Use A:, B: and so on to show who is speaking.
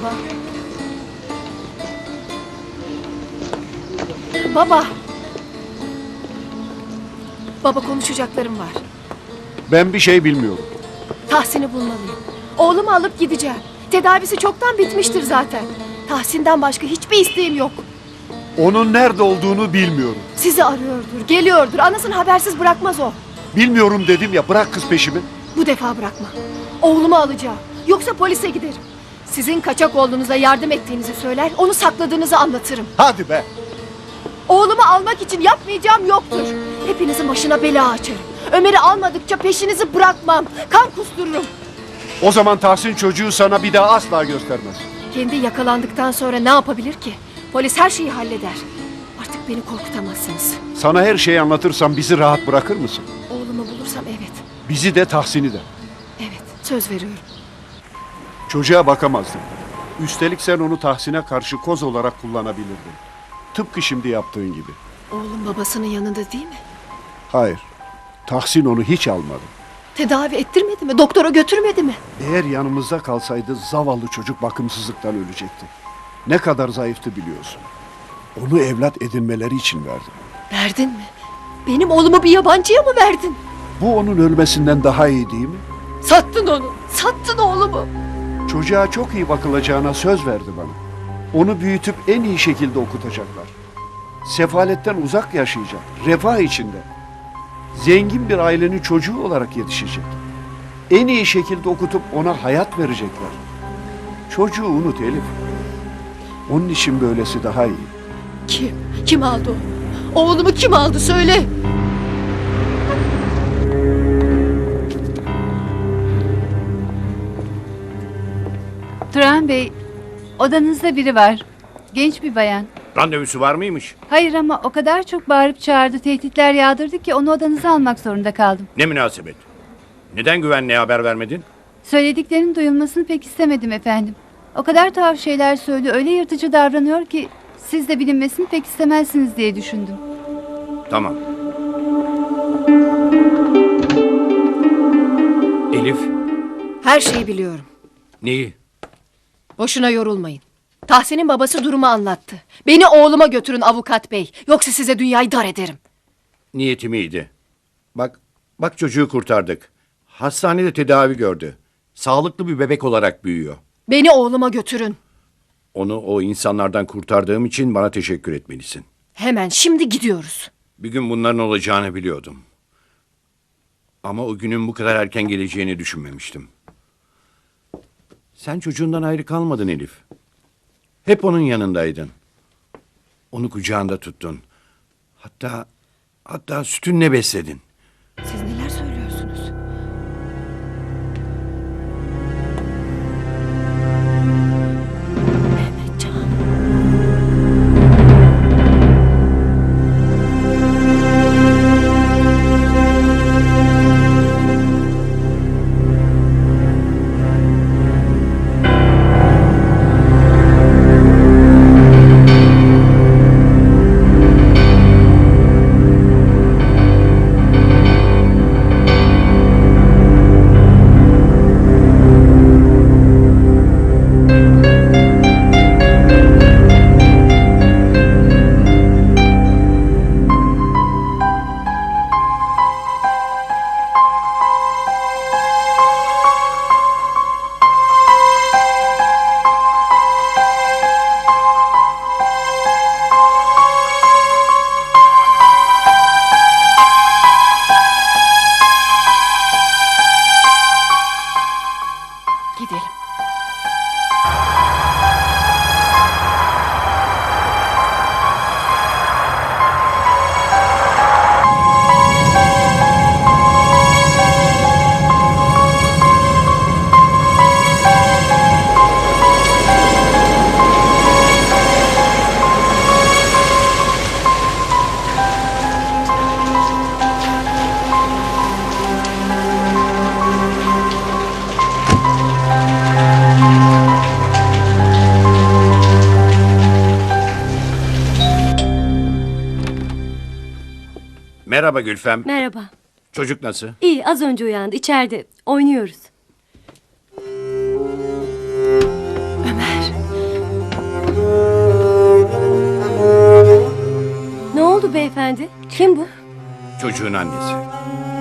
A: baba. Baba. Baba, konuşacaklarım var.
B: Ben bir şey bilmiyorum.
A: Tahsin'i bulmalıyım. Oğlumu alıp gideceğim. Tedavisi çoktan bitmiştir zaten. Tahsin'den başka hiçbir isteğim yok.
B: Onun nerede olduğunu bilmiyorum.
A: Sizi arıyordur, geliyordur. Anasını habersiz bırakmaz o.
B: Bilmiyorum dedim ya, bırak kız peşimi.
A: Bu defa bırakma. Oğlumu alacağım. Yoksa polise giderim. Sizin kaçak oğlunuza yardım ettiğinizi söyler, onu sakladığınızı anlatırım.
B: Hadi be.
A: Oğlumu almak için yapmayacağım yoktur. Hepinizin başına bela açarım. Ömer'i almadıkça peşinizi bırakmam. Kan kustururum.
B: O zaman Tahsin çocuğu sana bir daha asla göstermez.
A: Kendi yakalandıktan sonra ne yapabilir ki? Polis her şeyi halleder. Artık beni korkutamazsınız.
B: Sana her şeyi anlatırsam bizi rahat bırakır mısın?
A: Oğlumu bulursam evet.
B: Bizi de Tahsin'i de.
A: Evet, söz veriyorum.
B: Çocuğa bakamazdın. Üstelik sen onu Tahsin'e karşı koz olarak kullanabilirdin. Tıpkı şimdi yaptığın gibi.
A: Oğlum babasının yanında değil mi?
B: Hayır. Tahsin onu hiç almadı.
A: Tedavi ettirmedi mi? Doktora götürmedi mi?
B: Eğer yanımızda kalsaydı zavallı çocuk bakımsızlıktan ölecekti. Ne kadar zayıftı biliyorsun. Onu evlat edinmeleri için verdim.
A: Verdin mi? Benim oğlumu bir yabancıya mı verdin?
B: Bu onun ölmesinden daha iyi değil mi?
A: Sattın onu. Sattın oğlumu.
B: Çocuğa çok iyi bakılacağına söz verdi bana. Onu büyütüp en iyi şekilde okutacaklar. Sefaletten uzak yaşayacak, refah içinde. Zengin bir ailenin çocuğu olarak yetişecek. En iyi şekilde okutup ona hayat verecekler. Çocuğu unut Elif. Onun için böylesi daha iyi.
A: Kim? Kim aldı onu? Oğlumu kim aldı söyle.
C: Turan Bey, odanızda biri var. Genç bir bayan.
D: Randevusu var mıymış?
C: Hayır ama o kadar çok bağırıp çağırdı, tehditler yağdırdı ki onu odanıza almak zorunda kaldım.
D: Ne münasebet? Neden güvenliğe haber vermedin?
C: Söylediklerinin duyulmasını pek istemedim efendim. O kadar tuhaf şeyler söylüyor, öyle yırtıcı davranıyor ki siz de bilinmesini pek istemezsiniz diye düşündüm.
D: Tamam. Elif,
A: Her şeyi biliyorum.
D: neyi?
A: Boşuna yorulmayın. Tahsin'in babası durumu anlattı. Beni oğluma götürün avukat bey. Yoksa size dünyayı dar ederim.
D: Niyetim iyiydi. Bak çocuğu kurtardık. Hastanede tedavi gördü. Sağlıklı bir bebek olarak büyüyor.
A: Beni oğluma götürün.
D: Onu o insanlardan kurtardığım için bana teşekkür etmelisin.
A: Hemen şimdi gidiyoruz.
D: Bir gün bunların olacağını biliyordum. Ama o günün bu kadar erken geleceğini düşünmemiştim. Sen çocuğundan ayrı kalmadın Elif. Hep onun yanındaydın. Onu kucağında tuttun. Hatta sütünle besledin.
A: Siz neler söylüyorsunuz? Mehmetcan. Gidelim.
D: Merhaba Gülfem.
E: Merhaba.
D: Çocuk nasıl?
E: İyi, az önce uyandı. İçeride. Oynuyoruz.
A: Ömer.
E: hanımefendi? Kim bu?
D: Çocuğun annesi.